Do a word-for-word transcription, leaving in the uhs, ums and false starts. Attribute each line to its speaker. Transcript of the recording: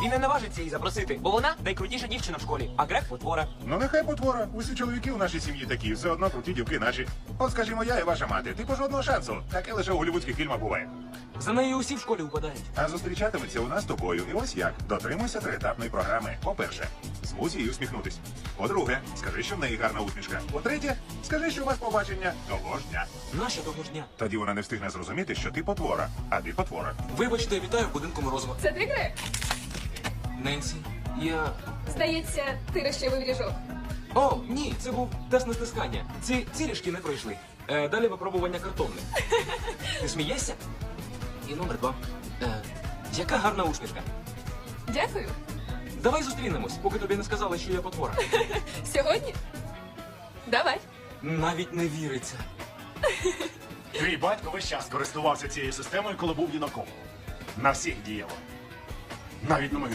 Speaker 1: і не наважиться її запросити, бо вона найкрутіша дівчина в школі, а Грег потвора.
Speaker 2: Ну нехай потвора. Усі чоловіки у нашій сім'ї такі, все одно круті дівки наші. От скажімо, я і ваша мати, типу жодного шансу. Таке лише у голлівудських фільмах буває.
Speaker 1: За нею усі в школі впадають.
Speaker 2: А зустрічатиметься у нас з тобою. І ось як. Дотримуйся триетапної програми. По-перше, змусь її усміхнутись. По-друге, скажи, що в неї гарна усмішка. По-третє, скажи, що у вас побачення того ж дня.
Speaker 1: Наша того ж дня.
Speaker 2: Тоді вона не встигне зрозуміти, що ти потвора, а ти потвора.
Speaker 1: Вибачте, вітаю в будинку Морозова.
Speaker 3: Це ти, Грег?
Speaker 1: Ненсі, я...
Speaker 3: Здається, ти розчавив ріжок.
Speaker 1: О, ні, це був тест на стискання. Ці цілішки не пройшли. Е, далі випробування картонне. Ти смієшся? І номер два. Е, яка гарна усмішка.
Speaker 3: Дякую.
Speaker 1: Давай зустрінемось, поки тобі не сказали, що я потвора.
Speaker 3: Сьогодні? Давай.
Speaker 1: Навіть не віриться.
Speaker 4: Твій батько весь час користувався цією системою, коли був юнаком. На всіх діяло. Навіть на мою